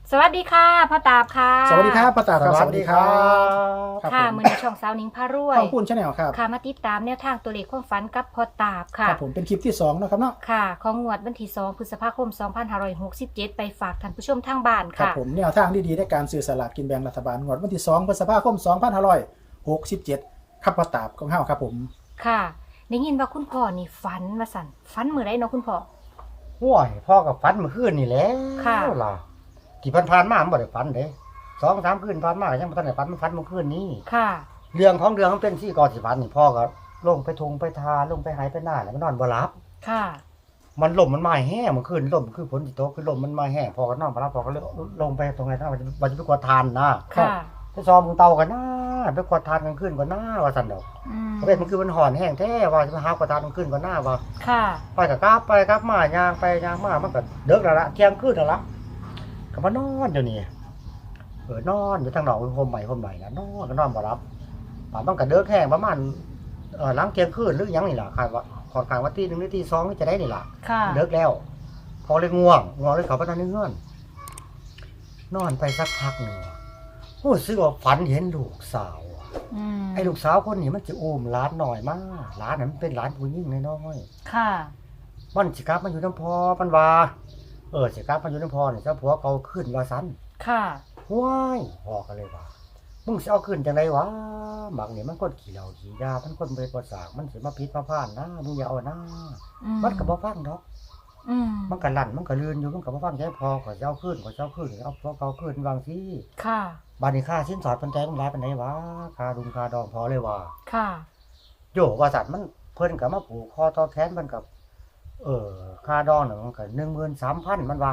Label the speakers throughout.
Speaker 1: สวัสดีค่ะพ่อตาบค่ะ
Speaker 2: สวัสดีครับป้าตาครับสวัสดีครับ
Speaker 1: ค่ะมือในช่องสาวนิ้งพารวย
Speaker 2: ข้าวปุ้นชาแนลครับ
Speaker 1: ค่ะมาติดตามแนวทางตัวเลขความฝันกับพ่อตาบค่ะ
Speaker 2: ครับผมเป็นคลิปที่2นะครับเนาะ
Speaker 1: ค่ะ ของงวดวันที่2พฤษภาคม 2567 ไปฝากท่านผู้ชมทางบ้าน
Speaker 2: ครับ
Speaker 1: ค่ะ
Speaker 2: ผมแนวทางดีๆในการซื้อสลากกินแบ่งรัฐบาลงวดวันที่2พฤษภาคม2567ครับป้าตาบของเฮาครับผม
Speaker 1: ค่ะได้ยินว่าคุณพ่อนี่ฝันมาสั่นฝันมื้อใดเนาะคุณพ่อ
Speaker 3: ห่วยพ่อกับฝันเมื่อคืนนี่แหละ
Speaker 1: ค่ะ
Speaker 3: ล่ะที่ผ่านๆมามันบ่ได้ฝันเด้2-3คืนผ่านมาก็ยังบ่ทันได้ฝันมันฝันเมื่อคืนนี้
Speaker 1: ค่ะ
Speaker 3: เรื่องของเรื่องมันเป็นที่ก่อนสิฝันนี่พ่อก็ลงไปทงไปทาลงไปหายไปหน้าแล้วมันนอนบ่หลับ
Speaker 1: ค่ะ
Speaker 3: มันลมมันมาแห้งเมื่อคืนลมคือฝนสิตกคือลมมันมาแห้งพ่อก็นอนบ่หลับพ่อก็เลยลงไปตรงไหนนะว่าจะไปกวาดทานนะ
Speaker 1: ค่ะ
Speaker 3: ไปซ้อมมึงเตากันนะไปกวาดทานกลางคืนก่อนนะว่าซั่นดอก
Speaker 1: อืม
Speaker 3: เพราะเป็นมันคือมันห่อนแห้งแท้ว่าจะไปหากวาดทานกลางคืนก่อนนะว่า
Speaker 1: ค่ะ
Speaker 3: ไปกับกลับมาย่างไปย่างมามันก็เดิกแล้วละเที่ยงคืนแล้วละก็มานอนอยู่นี่นอนอยู่ทางนอกโฮมใหม่นะนอนก็นอนบ่รับป่ามันก็เดิกแห้งประมาณหลังเที่ยงคืนหรือยังนี่ล่ะคาดว่าขอดกลางว่าตี 1 หรือตี 2นี่จะได้นี่ล่ะ
Speaker 1: ค่ะ
Speaker 3: เดิกแล้ว พอเลยง่วงเลยเขาไปนอนในเงื่อนนอนไปสักพักหนึ่งโอ้สึกว่าฝันเห็นลูกสาวอะ
Speaker 1: อืม
Speaker 3: ไอ้ลูกสาวคนนี้มันจะอุ้มหลานหน่อยมากหลานนั้นมันเป็นหลานผู้หญิงน้อยๆ
Speaker 1: ค่ะ
Speaker 3: มันสิกลับมันอยู่น้ำพอมันว่าสิกลับมันอยู่น้ำพอเนี่ยเจ้าผัวเขาขึ้นว่าสัน
Speaker 1: ค่ะ
Speaker 3: ว้ายพ่อก็เลยว่ามึงสิเอาขึ้นจังไดวะบักนี่มันคนขี้เหล้าขี้ยามันคนไปประสาทมันสิมาพิษมาพ่านนะมึงอย่าเอานะ
Speaker 1: อื
Speaker 3: มันก็บ่ฟังดอก
Speaker 1: อืม
Speaker 3: มันก็ลั่นมันก็เลื่อนอยู่มันก็บ่ฟังใจพอก็สิเอาขึ้นเอาพอเขาขึ้นวางสิ
Speaker 1: ค่ะ
Speaker 3: บัดนี้ค่าสินสอดเพิ่นใจมันหลายปานใดวะค่าดุมค่าดองพอเลยว่า
Speaker 1: ค่ะ
Speaker 3: โยว่าสัตว์มันเพิ่นก็มาผูกคอต่อแขนมันกับค่าดองน่ะมันก็ 13,000 มันว่า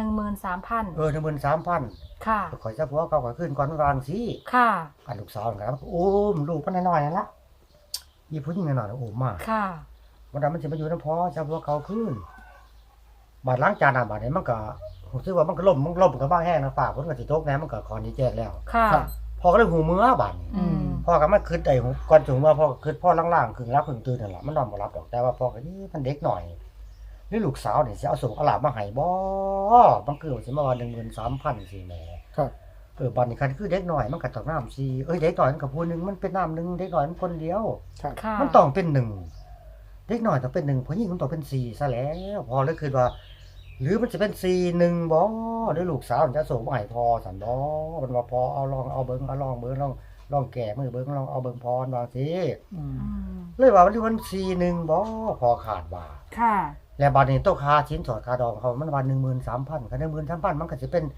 Speaker 1: 13,000
Speaker 3: 13,000
Speaker 1: ค่ะ
Speaker 3: ข่อยจะผัวเขาก็ขึ้นก่อนวางสิ
Speaker 1: ค่ะ
Speaker 3: อันลูกสาวนะครับโอ้มลูกมันน้อยๆนั่นละมีผู้หญิงน้อยๆโอ้มา
Speaker 1: ค่ะ
Speaker 3: วันนั้นมันสิมาอยู่นำพ่อจะผัวเขาขึ้นบาดล้างจานบาดนี้มันก็รู้สึกว่ามันก็ล่มก็บ้างแห้งนะปากเพิ่นก็สิตกแน่มันก็คอนนี้แจ้งแล้ว
Speaker 1: ค่ะ
Speaker 3: พ่อก็เลยหูมือบาดนี้
Speaker 1: อืม
Speaker 3: พ่อก็มาคิดได้ก่อนถึงว่าพ่อก็คิดพ่อล่างๆครึ่งรับครึ่งตื่นนั่นล่ะมันนอนบ่หลับดอกแต่ว่าพ่อก็นี่มันเด็กหน่อยหรือลูกสาวนี่สิเอาส่งเอาหลาบมาให้บ่มันคือสิมาว่า 13,000 สิแหม
Speaker 2: ครับ
Speaker 3: บัดนี้คันคือเด็กน้อยมันก็ต้องน้ำ4เด็กน้อยมันก็ผู้หนึงมันเป็นน้ำหนึงเด็กน้อยมันคนเดียว
Speaker 2: ครับ
Speaker 1: ค่ะ
Speaker 3: มันต้องเป็น1เด็กน้อยต้องเป็น1ผู้หญิงมันต้องเป็น4ซะแล้วพอเลยคิดว่า หรือมันจะเป็น4 1บ่หรือลูกสาวมันจะส่งมาให้พ่อซั่นบ่มันว่าพ่อเอาลองเอาเบิ่งเอาลองเบิ่งลองแก้มือเบิ่งลองเอาเบิ่งพรว่าสิ
Speaker 2: อืม
Speaker 1: อืม
Speaker 3: เลยว่ามัน4 1บ่พอขาดว่า
Speaker 1: ค่ะ
Speaker 3: แล้วบัดนี้ตัวค่าชิ้นสอดค่าดองเขามันว่า 13,000 คัน 13,000 มันก็สิเป็น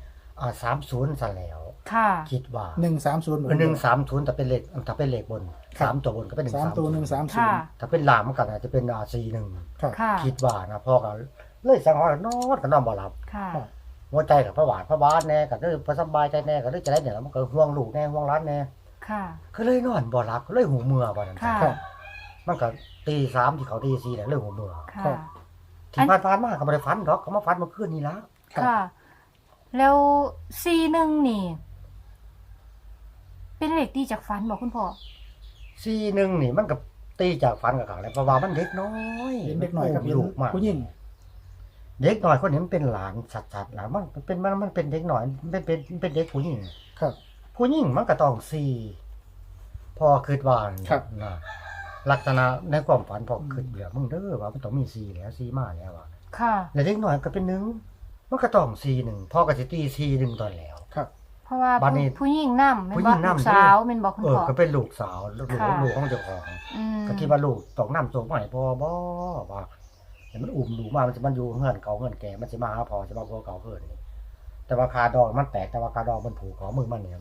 Speaker 3: 30ซั่นแล้ว
Speaker 1: ค่ะ
Speaker 3: คิดว่า
Speaker 2: 130
Speaker 3: 130แต่เป็นเลขบน3ตัวบนก็เป็น
Speaker 2: 3ตัว
Speaker 1: ค่ะ
Speaker 2: 130
Speaker 3: ถ้าเป็นล่างมันก็อาจจะเป็น41
Speaker 2: ครับ
Speaker 1: ค่ะ
Speaker 3: คิดว่านะพ่อก็เลยสังหรณ์นอนก็นอนบ่หลับ
Speaker 1: ค่ะ
Speaker 3: หัวใจก็พะบาทแน่ก็เลยบ่สบายใจแน่ก็เลยจะได้เนี่ยมันก็ห่วงลูกแน่ห่วงหลานแน่
Speaker 1: ค่ะ
Speaker 3: ก็เลยนอนบ่หลับก็เลยหูเมื่อบ่นั่น
Speaker 1: ค่ะ
Speaker 2: ครับ
Speaker 3: มันก็ตี3ที่เขาตี4แล้วเลยหูเมื่อ
Speaker 1: ค่ะ
Speaker 3: ที่ผ่านมาก็บ่ได้ฝันดอกก็มาฝันเมื่อคืนนี้ละ
Speaker 1: ค่ะ แล้ว41นี่ เป็นเลขที่จากฝันบอกคุณพ่อ
Speaker 3: 41นี่มันก็ตีจากฝันกับเขาแล้วเพราะว่ามันเด็กน้อย
Speaker 2: เห็นเด็กน้อยกับเห็น
Speaker 3: ลูกมาก
Speaker 2: ผู้หญิง
Speaker 3: เด็กน้อยคนนี้มันเป็นหลานชัดๆแล้วมันเป็นเด็กน้อยมันเป็นเด็กผู้หญิง
Speaker 2: ครับ
Speaker 3: ผู้หญิงมันก็ต้อง4พอคิดว่า
Speaker 2: ครับ
Speaker 3: นะลักษณะในความฝันพอคิดแล้วมึงเด้อว่ามันต้องมี4แล้ว4มาแล้วอ่ะ
Speaker 1: ค่ะ
Speaker 3: แล้วเด็กน้อยก็เป็น1มันก็ต้อง4 1พ่อก็สิตี4 1ตอนแล้ว
Speaker 2: ครับ
Speaker 1: เพราะว่า
Speaker 3: บัดนี้
Speaker 1: ผู้หญิงนำแม่น
Speaker 3: ผู้หญิ
Speaker 1: บ่
Speaker 3: งนำ
Speaker 1: ลูกสาวแม่นบอกคุณพ่อ
Speaker 3: ก็เป็นลูกสาวลูก
Speaker 1: ค่ะ
Speaker 3: ของเจ้าของ
Speaker 1: อืม
Speaker 3: ก็คิดว่าลูกต้องนำส่งมาให้พ่อบ่ว่าแต่มันอุ้มลูกมามันจะมันอยู่เฮือนเก่าเฮือนแก่มันสิมาหาพ่อสิมาพ่อเก่าเฮือนนี่แต่ว่าคาดองมันแตกแต่ว่าคาดองมันผูกขอมือมันเนี่ย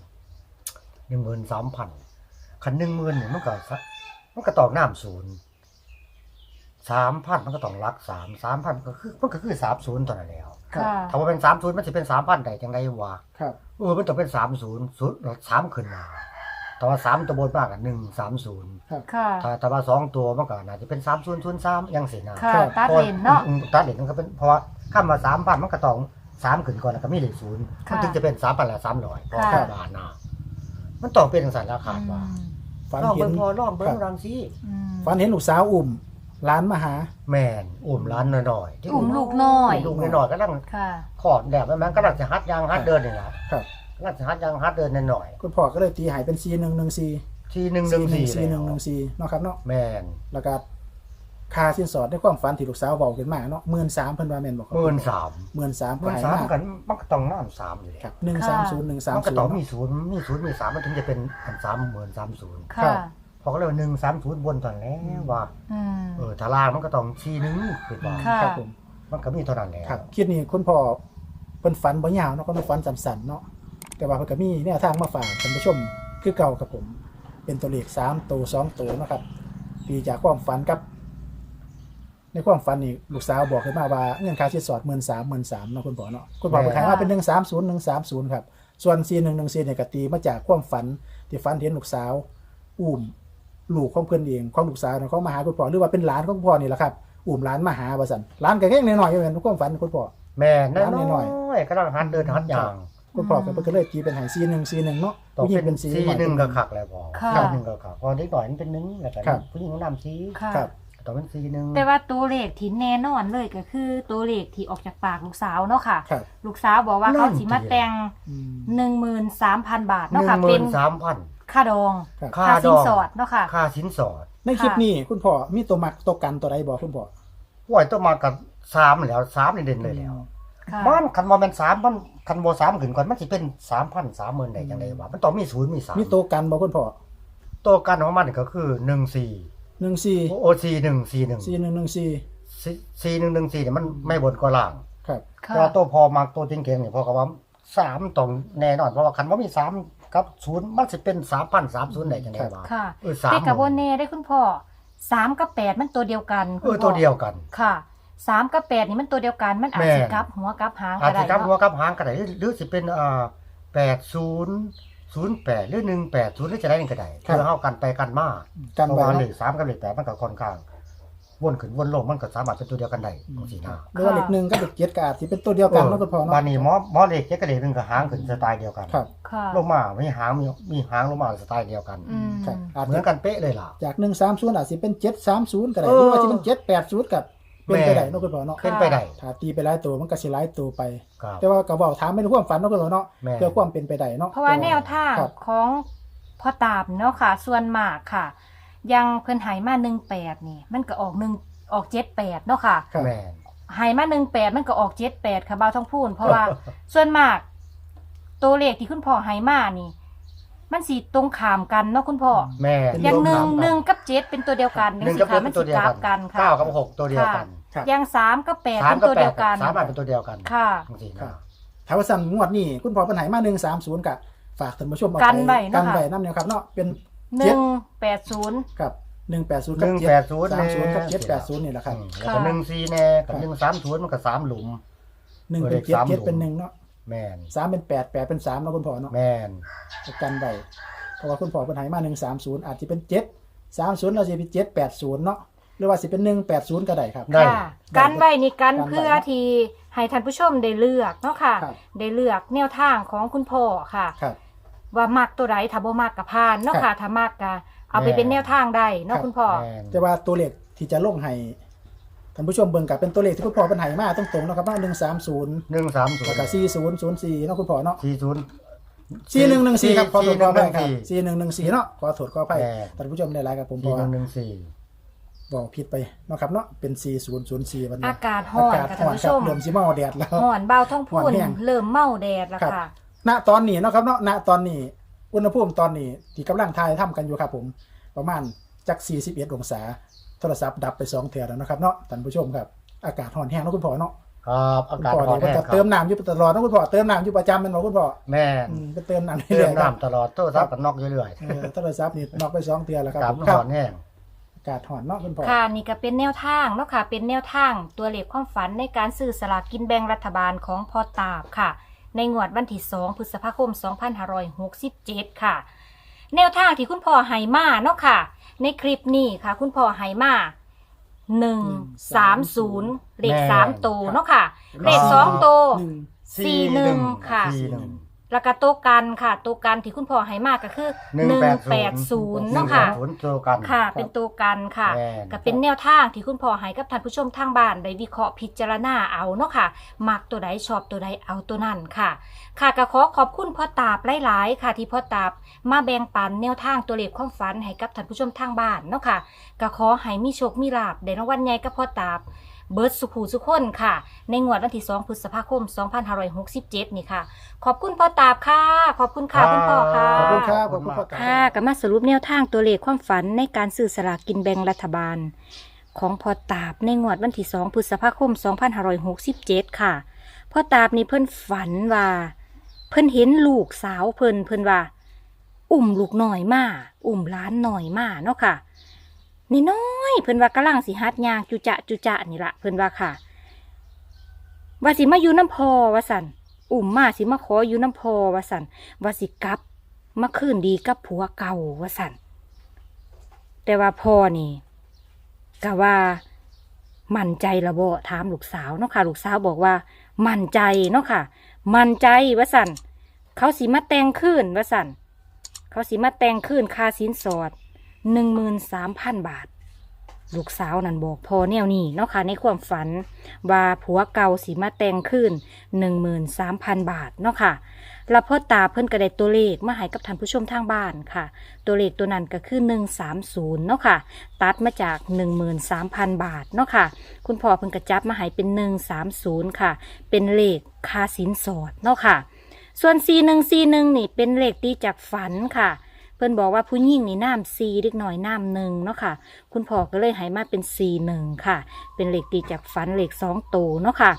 Speaker 3: 13,000 คัน 10,000นี่มันก็ต้องน้ำ0 3,000มันก็ต้องรัก3,000มันก็คือ30ตอนนั้นแล้ว
Speaker 2: ครับ
Speaker 1: ค่ะ
Speaker 3: ถ้าว่าเป็น30มันสิเป็น 3,000 ได้จังไดวะ
Speaker 2: ครับ
Speaker 3: มันต้องเป็น3 ขึ้นมาแต่ว่า3ตัวบนมากกว่า130
Speaker 1: ค่ะ
Speaker 3: ถ้าว่า2ตัวมันก็น่าจะเป็น3003จังซี่นะ
Speaker 1: ค่ะ ตัดเลนเนาะ
Speaker 3: ตัดเลนมันก็เป็นเพราะว่าคำว่า 3,000 มันก็ต้อง3ขึ้นก่อนแล้วก็มีเลข0มัน
Speaker 1: ค่ะ
Speaker 3: ถึงจะเป็น 3,000 และ 300พอ
Speaker 1: ค่ะ
Speaker 3: บาทนะมันต้องเป็นจังซั่นราคาว่า
Speaker 2: ฝัน
Speaker 3: ลอง
Speaker 2: เห็
Speaker 3: เบิ่
Speaker 2: น
Speaker 3: งพอลองเบิ่งรังสิ
Speaker 1: อืม
Speaker 2: ฝันเห็นลูกสาวอุ้มร้านมาหา
Speaker 3: แม่นอุ้มร้านน้อยๆที่
Speaker 1: อุ้มลูกน้อย
Speaker 3: ลูกน้อยๆก็นั่ง
Speaker 1: ค่ะ
Speaker 3: ขอดแดดแม่นก็นั่งจะฮัดยางฮัดเดินนี่ล่ะ
Speaker 2: ครับ
Speaker 3: นั่งจะฮัดยางฮัดเดินหน่อย
Speaker 2: คุณพ่อก็เลยตีใหายเป็น4114
Speaker 3: ๆที่114แล้ว
Speaker 2: 4114เนาะครับเนาะ
Speaker 3: แม่น
Speaker 2: แล้วก็ค่าสินสอดในความฝันที่ลูกสาวเว้าขึ้นมาเนาะ13,000เพิ่นว่าแม่นบ่ครับ
Speaker 3: 13,000
Speaker 2: 13,000ก็ให้
Speaker 3: 13,000
Speaker 2: มา
Speaker 3: มันก็ต้องน้ำ3อยู่แล้ว
Speaker 2: ครับ130
Speaker 3: มันก็ต้องมี
Speaker 2: 130
Speaker 3: 0มี0มี3มันถึงจะเป็น30,030
Speaker 1: ค่ะ
Speaker 3: พอก็เลยว่า130บนตอนแล้วว่า
Speaker 1: อืม
Speaker 3: ถ้าล่างมันก็ต้อง41คือว่า
Speaker 1: ค่ะ
Speaker 2: ครับผม
Speaker 3: มันก็มีเท่านั้นแหละ
Speaker 2: ครับคลิปนี้คุณพ่อเพิ่นฝันบ่ยาวเนาะเพิ่นฝันสั้นๆเนาะแต่ว่าเพิ่นก็มีแนวทางมาฝากท่านผู้ชมคือเก่าครับผม เป็นตัวเลข3ตัว2ตัวเนาะครับปีจากความฝันกับ ในความฝันนี่ลูกสาวบอกขึ้นมาว่าเงินค่าสินสอด 13,000เนาะคุณพ่อเนาะคุณพ่อเพิ่นขายมาเป็น130ครับส่วน4114เนี่ยก็ตีมาจากความฝันที่ฝันเห็นลูกสาวอุ้มลูกของเพิ่นเองของลูกสาวของมาหาคุณพ่อหรือว่าเป็นหลานของคุณพ่อนี่แหละครับอุ้มหลานมาหาว่าซั่นหลานก็แค่น้อยๆอยู่เหมือนความฝันคุณพ่อ
Speaker 3: แม่น้
Speaker 2: น้ำน้
Speaker 3: อ
Speaker 2: อย
Speaker 3: ยๆก็ต้องหัดเดินหัดยาง
Speaker 2: คุณพ่อก็เพิ่นก็เลยตีเป็นให้4141เนาะ
Speaker 3: ต่อ
Speaker 2: ผู้หญิ
Speaker 3: เป็
Speaker 2: ง
Speaker 3: น
Speaker 2: เป็น
Speaker 3: สีหนึ่งก็คักแล้วพอ
Speaker 1: ค่ะ
Speaker 3: สีหนึ่งก็คักพอเด็กหน่อยมันเป็นหนึ่งแล้วก็
Speaker 2: ครับ
Speaker 3: ผู้หญิงก็นำสี
Speaker 1: ค่ะ
Speaker 2: ครับ
Speaker 3: ต่อเป็นสีหนึ่ง
Speaker 1: แต่ว่าตัวเลขที่แน่นอนเลยก็คือตัวเลขที่ออกจากปากลูกสาวเนาะค่ะ
Speaker 2: ครับ
Speaker 1: ลูกสาวบอกว่าเขาสิมาแต่ง
Speaker 2: อืม
Speaker 1: 13,000 บาท
Speaker 3: ห
Speaker 1: เนาะ
Speaker 3: นึ่ง
Speaker 1: ค่ะ
Speaker 3: ห
Speaker 1: เป็
Speaker 3: มื่
Speaker 1: น
Speaker 3: นสามพัน
Speaker 1: ค่าดอง
Speaker 2: ครับ
Speaker 3: ค่า
Speaker 1: ค่า
Speaker 3: ด
Speaker 1: สิน
Speaker 3: อง
Speaker 1: สอดเนาะค่ะ
Speaker 3: ค่าสินสอด
Speaker 2: ในคลิปนี้คุณพ่อมีตัวมักตัวกันตัวใดบอกคุณพ่อ
Speaker 3: ป่วยต้องมากับ3แล้ว3นี่เด่นเลยแล้ว
Speaker 1: ค่ะ
Speaker 3: บ้านคันบ่แม่น3มันคันบ่3ขึ้นก่อนมันสิเป็น 3,000 30,000ได้จังได๋วะมันต้องมี0มี3
Speaker 2: มีตัวกันบอกคุณพ่อ
Speaker 3: ตัวกันของมันก็คือ14
Speaker 2: 14
Speaker 3: โอ4141
Speaker 2: 4114
Speaker 3: 4114เนี่ยมันไม่บนก็ล่าง
Speaker 2: ครับ
Speaker 1: ค่ะ
Speaker 3: แต่ว่าตัวพอมาตัวจริงๆนี่พอกับว่า3ต้องแน่นอนเพราะว่าคันบ่มี3กับ0มันสิเป็น 3,030ได้จังได๋วะ
Speaker 1: ค่ะ
Speaker 3: 3
Speaker 1: แต่กับโบเน่ได้คุณพ่อ3กับ8มันตัวเดียวกันคุณพ่อ
Speaker 3: ตัวเดียวกัน
Speaker 1: ค่ะ3กับ8นี่มันตัวเดียวกันมันอาจ
Speaker 3: แม่
Speaker 1: สิกลับหัวกลับหาง
Speaker 3: อาจ
Speaker 1: ก็
Speaker 3: สิ
Speaker 1: ได้
Speaker 3: กับหัว
Speaker 1: เนาะ
Speaker 3: กับหางก็ได้หรือสิเป็น8008หรือ180หรือจะได้ก็ได้
Speaker 2: ครับ
Speaker 3: เพื่อเฮากันไปกันมา
Speaker 2: กัน
Speaker 3: เพราะ
Speaker 2: ไว้
Speaker 3: ว่าเล
Speaker 2: เนาะ
Speaker 3: ข3กับเลข8มันก็ค่อนข้างวนขึ้นวนลงมันก็สามารถเป็นตัวเดียวกันได้จังซี่นะ
Speaker 2: หรือว่าเลข1กับเลข7ก็อาจสิเป็นตัวเดียวกันเนาะคุณพ่อเนาะ
Speaker 3: บ้านนี้หมอเลข7กับเลข1ก็หางขึ้นสไตล์เดียวกัน
Speaker 2: ครับ
Speaker 1: ค่ะ
Speaker 3: ลงมามีหางมีหางลงมาสไตล์เดียวกัน
Speaker 1: อืม
Speaker 2: ครับอาจ
Speaker 3: เหมื
Speaker 2: จะ
Speaker 3: อนกันเป๊ะเลยล่ะ
Speaker 2: จาก130อาจสิเป็น730ก็ได้
Speaker 3: เออ
Speaker 2: หรือว่าสิเป็น780ก็เป็นไปได้เนาะคุณพ่อเนาะ
Speaker 3: เป็นไปได้
Speaker 2: ถ้าตีไปหลายตัวมันก็สิหลายตัวไป
Speaker 3: ครับ
Speaker 2: แต่ว่าก็เว้าถามเป็นความฝันเนาะคุณพ่อเนาะ
Speaker 3: แม่
Speaker 2: เพื่อความเป็นไปได้เนาะ
Speaker 1: เพราะว่าแนวทาง
Speaker 2: ครับ
Speaker 1: ของพ่อตาบเนาะค่ะ ส่วนมากค่ะ ยังเพิ่นใหายมา18นี่ มันก็ออก78เนาะค่ะ
Speaker 2: ครับ
Speaker 3: แม่น
Speaker 1: ใหายมา18มันก็ออก78ค่ะบ่าวท้องพูนเพราะว่า ส่วนมาก ตัวเลขที่คุณพ่อใหายมานี่ มันสิตรงข้ามกันเนาะคุณพ่อ
Speaker 3: แม่น
Speaker 1: อย่าง
Speaker 2: รวมกัน
Speaker 1: 1กับ7เป็นตัวเดียวกัน
Speaker 3: หนึ่ง
Speaker 1: สิ
Speaker 3: กับ
Speaker 1: ค่ะ
Speaker 3: เป็
Speaker 1: มัน น
Speaker 3: ตั
Speaker 1: สิ
Speaker 3: วเดียว
Speaker 1: กราฟ
Speaker 3: กั
Speaker 1: กัน นค่ะ
Speaker 3: 9กับ6ตัวเดียวกัน
Speaker 2: ครับ
Speaker 1: อย่าง3กับ8เป็น
Speaker 3: 3
Speaker 1: ตัวเดียวกัน
Speaker 3: สามารถเป็นตัวเดียวกัน
Speaker 1: ค่ะ
Speaker 3: จังซี่
Speaker 2: ครั
Speaker 3: นะ
Speaker 2: บ ถ้าว่าสั่นงวดนี้คุณพ่อเพิ่นให้มา130ก็ฝากท่านผู้ชมเอา
Speaker 1: กันไว้เนาะ
Speaker 2: กัน
Speaker 1: ค่ะ
Speaker 2: ไว้นำแนวครับเนาะเป็น
Speaker 1: 180
Speaker 2: กับ180กับ
Speaker 3: 180
Speaker 2: 730กับ780นี่แหละครับ
Speaker 3: แล้วก็14แน่กับ130มันก็3หลุม
Speaker 2: 1เป็น7 7เป็น1เนาะ
Speaker 3: แม่น
Speaker 2: 3เป็น8 8เป็น3เนาะคุณพ่อเนาะ
Speaker 3: แม่น
Speaker 2: กันไว้เพราะว่าคุณพ่อเพิ่นให้มา130อาจสิเป็น730แล้วสิเป็น780เนาะหรือว่าสิเป็น180ก็ได้ครับ
Speaker 3: ได้
Speaker 1: ค่ะการไว้นี่กัน
Speaker 2: กันไว้
Speaker 1: เพื่อที่ให้ท่านผู้ชมได้เลือกเนาะค่ะ
Speaker 2: ครับ
Speaker 1: ได้เลือกแนวทางของคุณพ่อค่ะ
Speaker 2: ครับ
Speaker 1: ว่ามักตัวใดถ้าบ่มักก็ผ่านเนาะ
Speaker 2: ครั
Speaker 1: ค่ะ
Speaker 2: บ
Speaker 1: ถ้ามักก็เอาไปเป็นแนวทางได้เนาะ
Speaker 2: ครับ
Speaker 1: คุณพ่อ
Speaker 3: แม่น
Speaker 2: แต่ว่าตัวเลขที่จะลงให้ท่านผู้ชมเบิ่งก็เป็นตัวเลขที่คุณพ่อเพิ่นให้มาตรงๆเนาะครับเนาะ130
Speaker 3: 130
Speaker 2: แล้วก็4004เนาะคุณพ่อเนาะ
Speaker 3: 40
Speaker 2: 4114ครับขอโทษขออภัยครับ
Speaker 3: 4114
Speaker 2: 4114เนาะขอโทษขออภัย
Speaker 3: แม่
Speaker 2: ท่านผู้ชมได้หลายกับผมเพราะว่า
Speaker 3: 4114
Speaker 2: บอกผิดไปเนาะครับเนาะเป็น4004วันนี้
Speaker 1: อากาศร้อน
Speaker 2: อากาศ
Speaker 1: ค่ะ
Speaker 2: ร้
Speaker 1: ท่า
Speaker 2: อน น
Speaker 1: ผู้
Speaker 2: ครั
Speaker 1: ช
Speaker 2: บ
Speaker 1: ม
Speaker 2: เริ่มสิเมาแดดแล้ว
Speaker 1: ร้อนเบาท้องพู
Speaker 2: ร้อน นแห้ง
Speaker 1: เริ่มเมาแดดแล้ว
Speaker 2: ครับ
Speaker 1: ค่ะ
Speaker 2: ณตอนนี้เนาะครับเนาะณตอนนี้อุณหภูมิตอนนี้ที่กำลังทายทำกันอยู่ครับผมประมาณจัก41องศาโทรศัพท์ดับไป2เทื่อแล้วนะครับเนาะท่านผู้ชมครับอากาศร้อนแห้งเนาะคุณพ่อเนาะ
Speaker 3: ครับอา
Speaker 2: คุณ
Speaker 3: กาศ
Speaker 2: พ่อ
Speaker 3: ร้อน
Speaker 2: นี่
Speaker 3: แห้
Speaker 2: ก็
Speaker 3: ง
Speaker 2: จะ
Speaker 3: ครับ
Speaker 2: เติมน้ำอยู่ตลอดเนาะคุณพ่อเติมน้ำอยู่ประจำแม่นบ่คุณพ่อ
Speaker 3: แม่น
Speaker 2: ไปเติมน้ำ
Speaker 3: เติ
Speaker 2: เรื่อ
Speaker 3: ม
Speaker 2: ยๆครับ
Speaker 3: น้ำตลอดโทรศัพท์ก็นอกเรื่อย
Speaker 2: โทรศัพท์นี่นอกไป2เทื่อแล้ว
Speaker 3: ๆ
Speaker 2: ครับ
Speaker 3: กาศ
Speaker 2: ผม
Speaker 3: มัน
Speaker 2: ครั
Speaker 3: ร้
Speaker 2: บ
Speaker 3: อนแห้ง
Speaker 2: อากาศร้อนเนาะคุณพ่อ
Speaker 1: ค่ะนี่ก็เป็นแนวทางเนาะค่ะ เป็นแนวทางตัวเลขความฝันในการซื้อสลากกินแบ่งรัฐบาลของพ่อตาบค่ะ ในงวดวันที่2พฤษภาคม 2567 ค่ะ แนวทางที่คุณพ่อให้มาเนาะค่ะ ในคลิปนี้ค่ะ คุณพ่อให้มา130เลข3ตัวเนาะค่ะ เลข2ตัว 41 ค่ะ
Speaker 2: 41
Speaker 1: แล้วก็โตวกันค่ะโตวกันที่คุณพ่อให้มากก็คือ180เนาะค่ะ
Speaker 3: 180เจอกัน
Speaker 1: ค่ะ เป็นตัวกันค่ะ
Speaker 3: แม่น
Speaker 1: ก็เป็นแนวทางที่คุณพ่อให้กับท่านผู้ชมทางบ้านได้วิเคราะห์พิจารณาเอาเนาะค่ะมักตัวใดชอบตัวใดเอาตัวนั้นค่ะ ค่ะก็ขอบคุณพ่อตาบหลายๆค่ะ ที่พ่อตาบมาแบ่งปันแนวทางตัวเลขความฝันให้กับท่านผู้ชมทางบ้านเนาะค่ะก็ขอให้มีโชคมีลาภได้รางวัลใหญ่กับพ่อตาบเบิร์ดสุขูสุขคนค่ะ ในงวดวันที่2พฤษภาคม2567นี่ค่ะ ขอบคุณพ่อตาบค่ะ ขอบคุณค่ะคุณพ่อค่ะ
Speaker 2: ขอบคุณครับขอบคุณพ่อตา
Speaker 1: ค่ะก็มาสรุปแนวทางตัวเลขความฝันในการซื้อสลากกินแบ่งรัฐบาล ของพ่อตาบในงวดวันที่2พฤษภาคม2567ค่ะพ่อตาบนี่เพิ่นฝันว่า เพิ่นเห็นลูกสาวเพิ่นว่า อุ้มลูกน้อยมาอุ้มหล้านน้อยมาเนาะค่ะนี่น้อยเพิ่นว่ากำลังสิหัดย่างจุจะนี่ละเพิ่นว่าค่ะ ว่าสิมาอยู่น้ำพอว่าสันอุ้มมาสิมาขออยู่น้ำพอว่าสันว่าสิกลับมาคืนดีกับผัวเก่าว่าสันแต่ว่าพ่อนี่ก็ว่ามั่นใจละบ่ถามลูกสาวเนาะค่ะลูกสาวบอกว่ามั่นใจเนาะค่ะมั่นใจว่าสันเขาสิมาแต่งคืนว่าสันเขาสิมาแต่งคืนค่าสินสอด13,000 บาทลูกสาวนั่นบอกพ่อแนวนี้เนาะค่ะในความฝันว่าผัวเก่าสิมาแต่งคืน13,000 บาทเนาะค่ะแล้วพ่อตาเพิ่นก็ได้ตัวเลขมาให้กับท่านผู้ชมทางบ้านค่ะตัวเลขตัวนั้นก็คือ130เนาะค่ะตัดมาจาก 13,000 บาทเนาะค่ะคุณพ่อเพิ่นก็จับมาให้เป็น130ค่ะเป็นเลขค่าสินสอดเนาะค่ะส่วน4141นี่เป็นเลขตีจากฝันค่ะเพิ่นบอกว่าผู้หญิงนี่น้ำ4เล็กน้อยน้ำ1เนาะค่ะคุณพ่อก็เลยให้มาเป็น41ค่ะเป็นเลขตีจากฝันเลข2ตัวเนาะค่ะ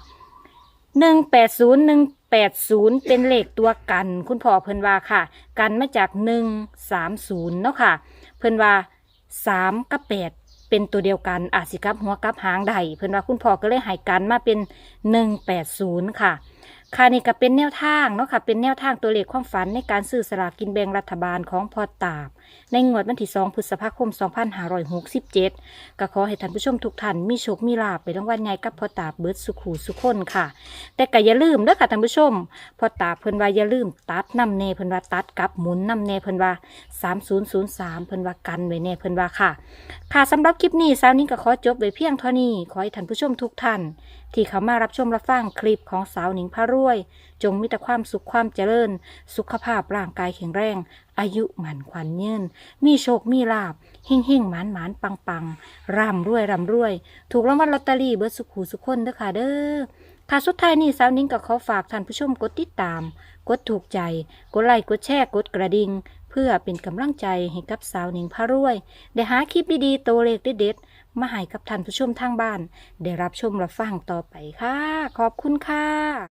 Speaker 1: 180เป็นเลขตัวกันคุณพ่อเพิ่นว่าค่ะกันมาจาก130เนาะค่ะเพิ่นว่า3กับ8เป็นตัวเดียวกันอาจสิกลับหัวกลับหางใดเพิ่นว่าคุณพ่อก็เลยให้กันมาเป็น180ค่ะค่ะนี่ก็เป็นแนวทางเนาะค่ะเป็นแนวทางตัวเลขความฝันในการซื้อสลากกินแบ่งรัฐบาลของพ่อตาบในงวดวันที่2พฤษภาคม2567ก็ขอให้ท่านผู้ชมทุกท่านมีโชคมีลาภไปรางวัลใหญ่กับพ่อตาบเบิดสุขหูสุขคนค่ะแต่ก็อย่าลืมเด้อค่ะท่านผู้ชมพ่อตาบเพิ่นว่าอย่าลืมตัดน้ำเนเพิ่นว่าตัดกับหมุนน้ำเนเพิ่นว่า3003เพิ่นว่ากันไว้แน่เพิ่นว่าค่ะค่ะสำหรับคลิปนี้สาวนิ้งก็ขอจบไว้เพียงเท่านี้ขอให้ท่านผู้ชมทุกท่านที่เข้ามารับชมรับฟังคลิปของสาวหนิงพารวย จงมีแต่ความสุขความเจริญสุขภาพร่างกายแข็งแรงอายุหมันขวัญยืนมีโชคมีลาภเฮ่งเฮ่งหมานหมานปังปังร่ำรวยถูกรางวัลลอตเตอรี่เบิดสุขหูสุขคนเด้อค่ะเด้อค่ะสุดท้ายนี้สาวนิ้งก็ขอฝากท่านผู้ชมกดติดตามกดถูกใจกดไลค์กดแชร์กดกระดิ่งเพื่อเป็นกำลังใจให้กับสาวหนิงพารวยได้หาคลิปดีๆตัวเลขเด็ดๆมาให้กับท่านผู้ชมทางบ้านได้รับชมรับฟังต่อไปค่ะขอบคุณค่ะ